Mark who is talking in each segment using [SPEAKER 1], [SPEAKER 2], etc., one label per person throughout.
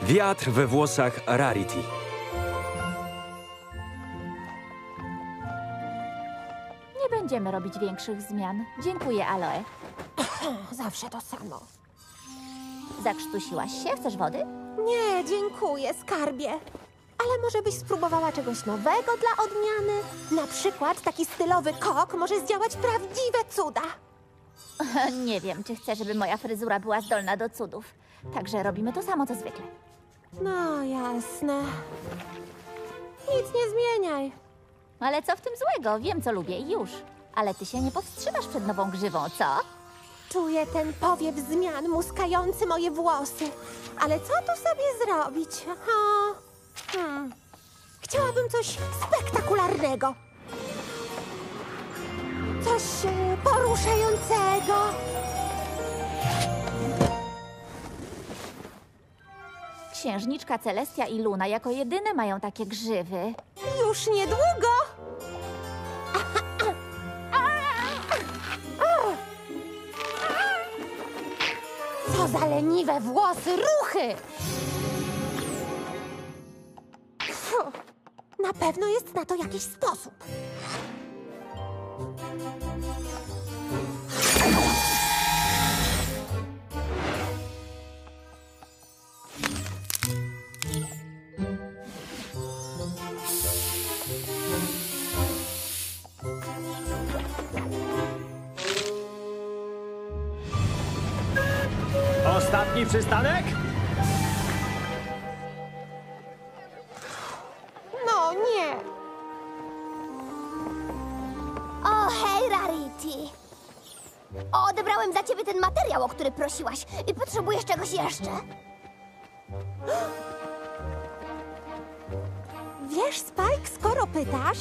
[SPEAKER 1] Wiatr we włosach Rarity.
[SPEAKER 2] Nie będziemy robić większych zmian. Dziękuję, Aloe.
[SPEAKER 3] Zawsze to samo.
[SPEAKER 2] Zakrztusiłaś się? Chcesz wody?
[SPEAKER 3] Nie, dziękuję, skarbie. Ale może byś spróbowała czegoś nowego dla odmiany? Na przykład taki stylowy kok może zdziałać prawdziwe cuda.
[SPEAKER 2] Nie wiem, czy chcę, żeby moja fryzura była zdolna do cudów. Także robimy to samo, co zwykle.
[SPEAKER 3] No, jasne. Nic nie zmieniaj.
[SPEAKER 2] Ale co w tym złego? Wiem, co lubię i już. Ale ty się nie powstrzymasz przed nową grzywą, co?
[SPEAKER 3] Czuję ten powiew zmian muskający moje włosy. Ale co tu sobie zrobić? Chciałabym coś spektakularnego. Coś poruszającego.
[SPEAKER 2] Księżniczka Celestia i Luna jako jedyne mają takie grzywy.
[SPEAKER 3] Już niedługo. Co za leniwe włosy, ruchy! Fuh, na pewno jest na to jakiś sposób.
[SPEAKER 4] Ostatni przystanek?
[SPEAKER 3] No nie.
[SPEAKER 5] O, hej, Rarity. Odebrałem za ciebie ten materiał, o który prosiłaś. I potrzebujesz czegoś jeszcze?
[SPEAKER 3] Wiesz, Spike, skoro pytasz...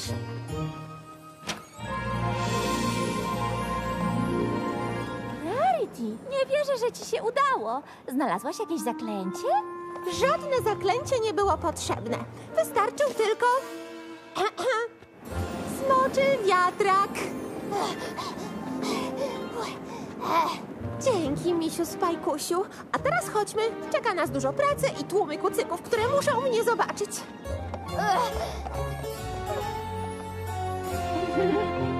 [SPEAKER 2] Rarity, nie wierzę, że ci się udało. Znalazłaś jakieś zaklęcie?
[SPEAKER 3] Żadne zaklęcie nie było potrzebne. Wystarczył tylko... smoczy wiatrak. Dzięki, misiu Spajkusiu. A teraz chodźmy. Czeka nas dużo pracy i tłumy kucyków, które muszą mnie zobaczyć.